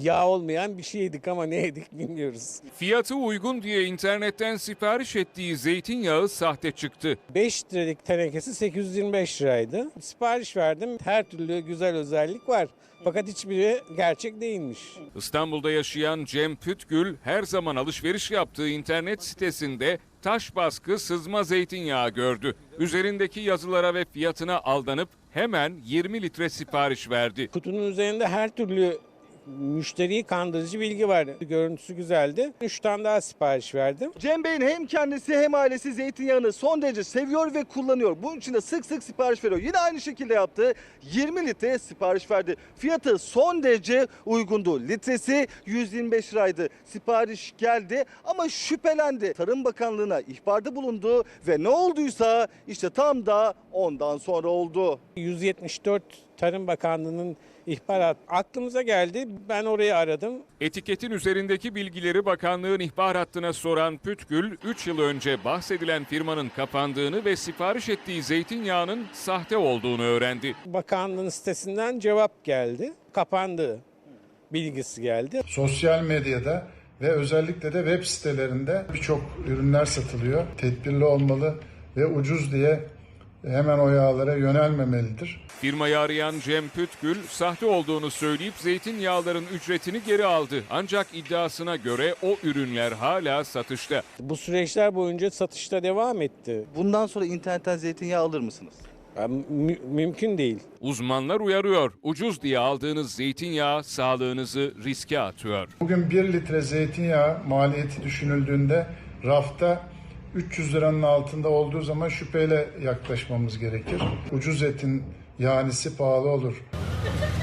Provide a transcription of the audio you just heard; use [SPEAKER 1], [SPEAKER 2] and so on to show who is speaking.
[SPEAKER 1] yağ olmayan bir şey yedik ama ne yedik bilmiyoruz.
[SPEAKER 2] Fiyatı uygun diye internetten sipariş ettiği zeytinyağı sahte çıktı.
[SPEAKER 1] 5 liralık tenekesi 825 liraydı. Sipariş verdim. Her türlü güzel özellik var. Fakat hiçbiri gerçek değilmiş.
[SPEAKER 2] İstanbul'da yaşayan Cem Pütgül her zaman alışveriş yaptığı internet sitesinde taş baskı sızma zeytinyağı gördü. Üzerindeki yazılara ve fiyatına aldanıp hemen 20 litre sipariş verdi.
[SPEAKER 1] Kutunun üzerinde her türlü müşteriyi kandırıcı bilgi var. Görüntüsü güzeldi. 3 tane daha sipariş verdim.
[SPEAKER 3] Cem Bey'in hem kendisi hem ailesi zeytinyağını son derece seviyor ve kullanıyor. Bunun için de sık sık sipariş veriyor. Yine aynı şekilde yaptı. 20 litre sipariş verdi. Fiyatı son derece uygundu. Litresi 125 liraydı. Sipariş geldi ama şüphelendi. Tarım Bakanlığı'na ihbarda bulundu ve ne olduysa işte tam da ondan sonra oldu.
[SPEAKER 1] 174 Tarım Bakanlığı'nın ihbarat aklımıza geldi. Ben orayı aradım.
[SPEAKER 2] Etiketin üzerindeki bilgileri bakanlığın ihbar hattına soran Pütgül, 3 yıl önce bahsedilen firmanın kapandığını ve sipariş ettiği zeytinyağının sahte olduğunu öğrendi.
[SPEAKER 1] Bakanlığın sitesinden cevap geldi. Kapandı bilgisi geldi.
[SPEAKER 4] Sosyal medyada ve özellikle de web sitelerinde birçok ürünler satılıyor. Tedbirli olmalı ve ucuz diye hemen o yağlara yönelmemelidir.
[SPEAKER 2] Firmayı arayan Cem Pütgül, sahte olduğunu söyleyip zeytinyağların ücretini geri aldı. Ancak iddiasına göre o ürünler hala satışta.
[SPEAKER 1] Bu süreçler boyunca satışta devam etti.
[SPEAKER 3] Bundan sonra internetten zeytinyağı alır mısınız?
[SPEAKER 1] Mümkün değil.
[SPEAKER 2] Uzmanlar uyarıyor, ucuz diye aldığınız zeytinyağı sağlığınızı riske atıyor.
[SPEAKER 4] Bugün 1 litre zeytinyağı maliyeti düşünüldüğünde rafta 300 liranın altında olduğu zaman şüpheyle yaklaşmamız gerekir. Ucuz etin yanisi pahalı olur.